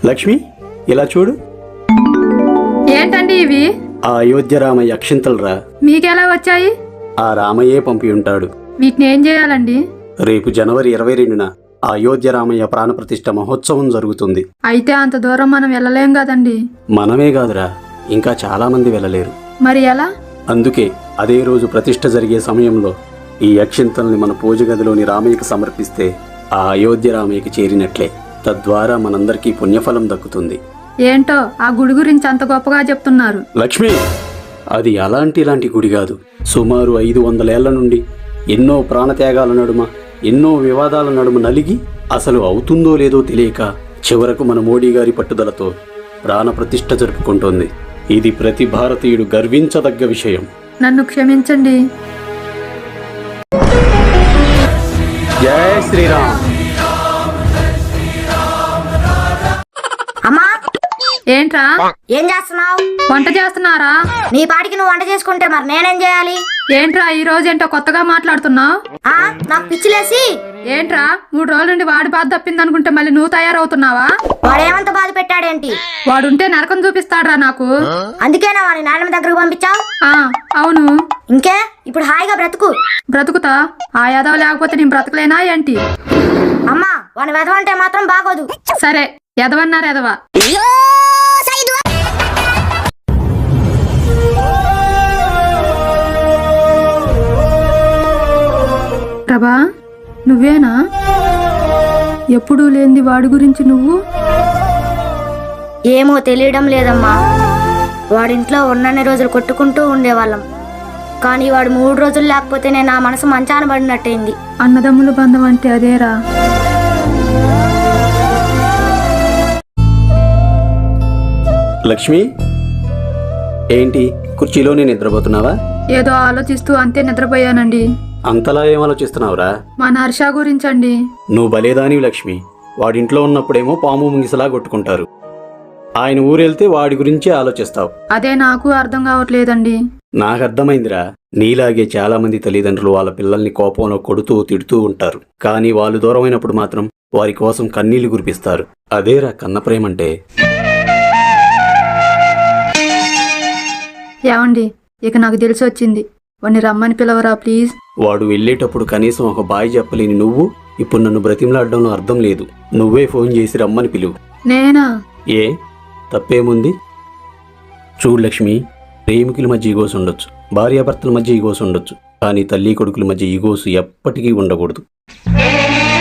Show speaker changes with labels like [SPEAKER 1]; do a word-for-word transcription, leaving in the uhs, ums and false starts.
[SPEAKER 1] లక్ష్మి, ఇలా చూడు.
[SPEAKER 2] ఏంటండి ఇవి?
[SPEAKER 1] ఆ అయోధ్య రామయ్య అక్షింతలరా.
[SPEAKER 2] మీకెలా వచ్చాయి?
[SPEAKER 1] ఆ రామయ్యే పంపి ఉంటాడు.
[SPEAKER 2] వీటిని ఏం చేయాలండి?
[SPEAKER 1] రేపు జనవరి ఇరవై రెండున ఆ అయోధ్య రామయ్య ప్రాణప్రతిష్ఠ మహోత్సవం జరుగుతుంది.
[SPEAKER 2] అయితే అంత దూరం మనం వెళ్ళలేం కదండి.
[SPEAKER 1] మనమే కాదురా, ఇంకా చాలా మంది వెళ్ళలేరు.
[SPEAKER 2] మరి ఎలా?
[SPEAKER 1] అందుకే అదే రోజు ప్రతిష్ఠ జరిగే సమయంలో ఈ అక్షింతల్ని మన పూజ గదిలోని రామయ్యకు సమర్పిస్తే ఆ అయోధ్య రామయ్యకి చేరినట్లే. తద్వారా మనందరికీ పుణ్యఫలం దక్కుతుంది.
[SPEAKER 2] ఏంటో ఆ గుడి గురించి అంత గొప్పగా చెప్తున్నారు.
[SPEAKER 1] లక్ష్మి, అది అలాంటి ఇలాంటి గుడి కాదు. సుమారు ఐదు వందలేళ్ల నుండి ఎన్నో ప్రాణత్యాగాల నడుమ, ఎన్నో వివాదాల నడుమ నలిగి అసలు అవుతుందో లేదో తెలియక చివరకు మన మోడీ గారి పట్టుదలతో ప్రాణ ప్రతిష్ఠ జరుపుకుంటోంది. ఇది ప్రతి భారతీయుడు గర్వించదగ్గ విషయం.
[SPEAKER 2] నన్ను క్షమించండి.
[SPEAKER 1] జై శ్రీరామ్.
[SPEAKER 3] అమ్మా,
[SPEAKER 2] ఏంట్రా?
[SPEAKER 3] ఏం చేస్తున్నావు?
[SPEAKER 2] వంట చేస్తున్నారా?
[SPEAKER 3] నీ పాటికి నువ్వు వంట చేసుకుంటే మరి నేనేం చేయాలి?
[SPEAKER 2] ఏంట్రా ఈ రోజు ఏంటో కొత్తగా మాట్లాడుతున్నావు?
[SPEAKER 3] ఆ నాకు పిచ్చిలేసి.
[SPEAKER 2] ఏంట్రా మూడు రోజుల నుండి వాడి బాధ తప్పింది అనుకుంటే మళ్ళీ నువ్వు తయారవుతున్నావా?
[SPEAKER 3] వాడేమంత బాధ పెట్టాడేంటి?
[SPEAKER 2] వాడుంటే నరకం చూపిస్తాడ్రా నాకు.
[SPEAKER 3] అందుకేనా వాడి నాన్నమ్మ దగ్గరకు పంపించావు?
[SPEAKER 2] ఆ అవును.
[SPEAKER 3] ఇంకే ఇప్పుడు హాయిగా బ్రతుకు.
[SPEAKER 2] బ్రతుకుతా? ఆ యాదవ లేకపోతే నేను బ్రతకలేనా ఏంటి?
[SPEAKER 3] అమ్మా, వాని వెధవ అంటే మాత్రం బాగోదు.
[SPEAKER 2] సరే, ఎదవన్నారు ఎదవ. ప్రభా, నువ్వేనా? ఎప్పుడూ లేంది వాడి గురించి నువ్వు?
[SPEAKER 3] ఏమో తెలియడం లేదమ్మా. వాడింట్లో ఉన్నన్ని రోజులు కొట్టుకుంటూ ఉండేవాళ్ళం. కానీ వాడు మూడు రోజులు లేకపోతేనే నా మనసు మంచాన పడినట్టయింది.
[SPEAKER 2] అన్నదమ్ముల బంధం అంటే అదేరా.
[SPEAKER 1] లక్ష్మి, ఏంటి కుర్చీలోనే నిద్రపోతున్నావా?
[SPEAKER 2] ఏదో ఆలోచిస్తూ అంతే నిద్రపోయానండి.
[SPEAKER 1] అంతలా ఏం ఆలోచిస్తున్నావురా?
[SPEAKER 2] మా హర్ష గురించండి.
[SPEAKER 1] నువ్వు బలేదానివి లక్ష్మి. వాడింట్లో ఉన్నప్పుడేమో పాము ముంగిసలా కొట్టుకుంటారు. ఆయన ఊరెళ్తే వాడి గురించే ఆలోచిస్తావు.
[SPEAKER 2] అదే నాకు అర్థం కావట్లేదండి.
[SPEAKER 1] నాకు అర్థమైందిరా. నీలాగే చాలా మంది తల్లిదండ్రులు వాళ్ళ పిల్లల్ని కోపంలో కొడుతూ తిడుతూ ఉంటారు. కానీ వాళ్ళు దూరమైనప్పుడు మాత్రం వారి కోసం కన్నీళ్లు కురిపిస్తారు. అదేరా కన్న ప్రేమంటే.
[SPEAKER 2] ఏమండి, ఇక నాకు తెలిసి వచ్చింది. వాడిని రమ్మని పిలవరా ప్లీజ్.
[SPEAKER 1] వాడు వెళ్ళేటప్పుడు కనీసం ఒక బాయ్ చెప్పలేని నువ్వు ఇప్పుడు నన్ను బ్రతిమలాడడంలో అర్థం లేదు. నువ్వే ఫోన్ చేసి రమ్మని పిలువు.
[SPEAKER 2] నేనా?
[SPEAKER 1] ఏ తప్పేముంది? చూడు లక్ష్మి, ప్రేమికుల మధ్య ఈగోస్ ఉండొచ్చు, భార్యాభర్తల మధ్య ఈగోస్ ఉండొచ్చు, కానీ తల్లి కొడుకుల మధ్య ఈగోస్ ఎప్పటికీ ఉండకూడదు.